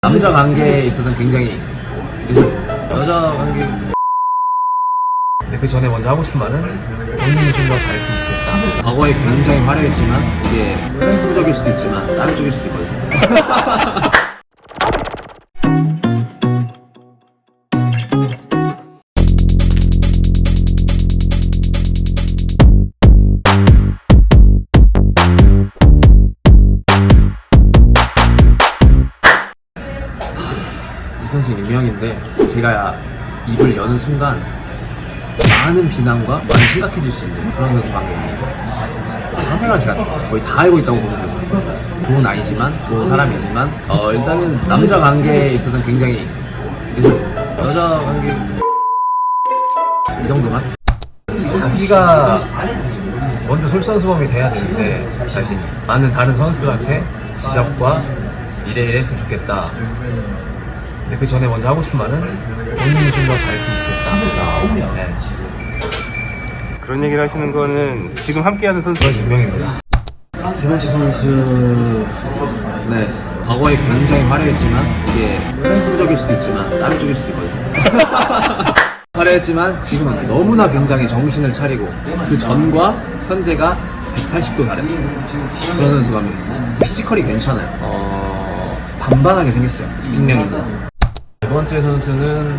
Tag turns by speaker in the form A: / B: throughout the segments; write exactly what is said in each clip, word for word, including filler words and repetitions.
A: 남자 관계에 있어서는 굉장히 괜찮습니다. 여자 관계 근데 그 전에 먼저 하고 싶은 말은 본인이 좀 더 잘했으면 좋겠다. 과거에 굉장히 화려했지만 이게 승부적일 수도 있지만 다른 쪽일 수도 있거든요. 이 선수 유명인데 제가 입을 여는 순간 많은 비난과 많이 심각해질 수 있는 그런 선수 관계입니다. 사생활 제가 거의 다 알고 있다고 보면 되거든요. 좋은 아이지만 좋은 사람이지만 어 일단은 남자 관계에 있어서는 굉장히 괜찮습니다. 여자 관계 이 정도만. 자기가 먼저 솔선수범이 돼야 되는데 자신이 많은 다른 선수들한테 지적과 이래 이래 했으면 좋겠다. 근데 그 전에 먼저 하고 싶은 말은 본인이 좀 더 잘했으면 좋겠다. 네.
B: 그런 얘기를 하시는 거는 지금 함께하는 선수가
A: 그런 유명입니다. 세 번째 선수, 네, 과거에 굉장히 화려했지만 이게 승부적일 수도 있지만 다른 쪽일 수도 있거든요. 화려했지만 지금은 너무나 굉장히 정신을 차리고 그 전과 현재가 백팔십 도 다른 그런 선수가 한 명 있어요. 피지컬이 괜찮아요. 어, 반반하게 생겼어요. 익명입니다. 두 번째 선수는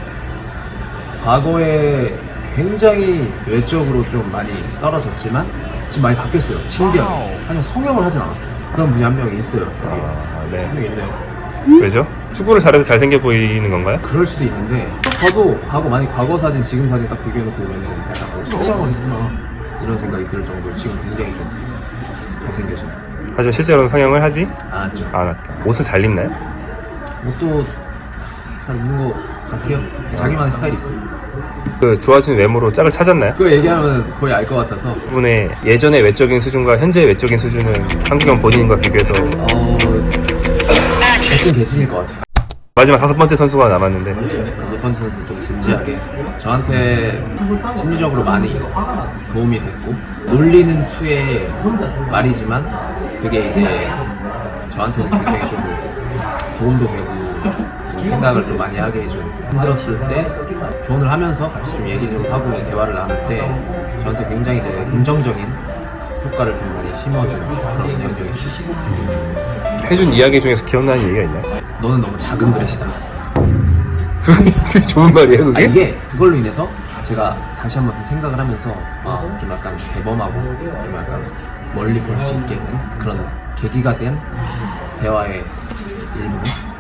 A: 과거에 굉장히 외적으로 좀 많이 떨어졌지만 지금 많이 바뀌었어요. 신기하게. 하지만 성형을 하진 않았어요. 그런 분이 한 명이 있어요. 여기.
B: 아, 네.
A: 한 명 있네요.
B: 왜죠? 축구를 잘해서 잘생겨 보이는 건가요?
A: 그럴 수도 있는데 저도 과거 많이 과거 사진 지금 사진 딱 비교해놓고 보면은 약간 어, 성장을 했구나 이런 생각이 들 정도로 지금 굉장히 좀 잘생겨진.
B: 하지만 실제로는 성형을 하지
A: 않았죠.
B: 않았다. 옷을 잘 입나요?
A: 옷도 잘 입는 것 같아요. 자기만의 스타일이 있어요.
B: 그 좋아진 외모로 짝을 찾았나요?
A: 그거 얘기하면 거의 알 것 같아서.
B: 그분의 예전의 외적인 수준과 현재의 외적인 수준은 한국형 본인과 비교해서
A: 어 개친 개친일 것 같아요.
B: 마지막 다섯 번째 선수가 남았는데
A: 다섯 번째 선수 좀 진지하게 저한테 심리적으로 많이 도움이 됐고 놀리는 투의 말이지만 그게 이제 저한테는 굉장히 좀 도움도 되고 좀 생각을 좀 많이 하게 해준. 힘들었을 때 조언을 하면서 같이 좀 얘기 좀 하고 대화를 나눌 때 저한테 굉장히 이제 긍정적인 효과를 좀 많이 심어준 그런 분이 한 명 있어요.
B: 해준 이야기 중에서 기억나는 얘기가 있나요?
A: 너는 너무 작은 그릇이다.
B: 그게 좋은 말이에요 그게?
A: 아, 이게 그걸로 인해서 제가 다시 한번 좀 생각을 하면서 아, 좀 약간 대범하고 좀 약간 멀리 볼 수 있게 된 그런 계기가 된 대화의 일부.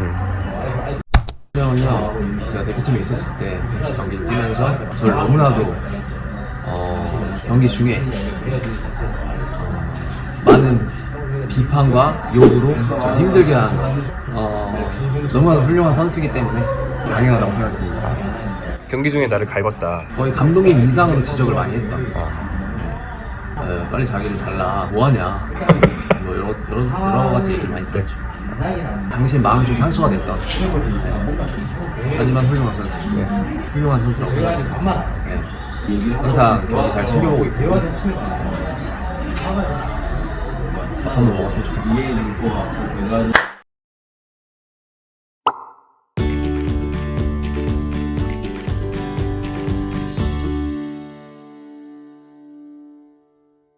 A: 형은요, 제가 대표팀에 있었을 때 같이 경기를 뛰면서 저를 너무나도 어, 경기 중에 어, 많은 비판과 욕으로 저를 힘들게 한 어, 너무나도 훌륭한 선수이기 때문에 당연하다고 생각합니다.
B: 경기 중에 나를 갈궜다.
A: 거의 감독님 이상으로 지적을 많이 했다.
B: 아.
A: 어, 빨리 자기를 잘라. 뭐하냐. 뭐 여러, 여러, 여러 가지 얘기를 많이 들었죠. 당시에 마음이 좀 상처가 됐던. 네. 하지만 훌륭한 선수. 훌륭한 선수라고 생각합니다. 네. 항상 경기 잘 챙겨보고 있고. 밥 한번 먹었으면 좋겠다.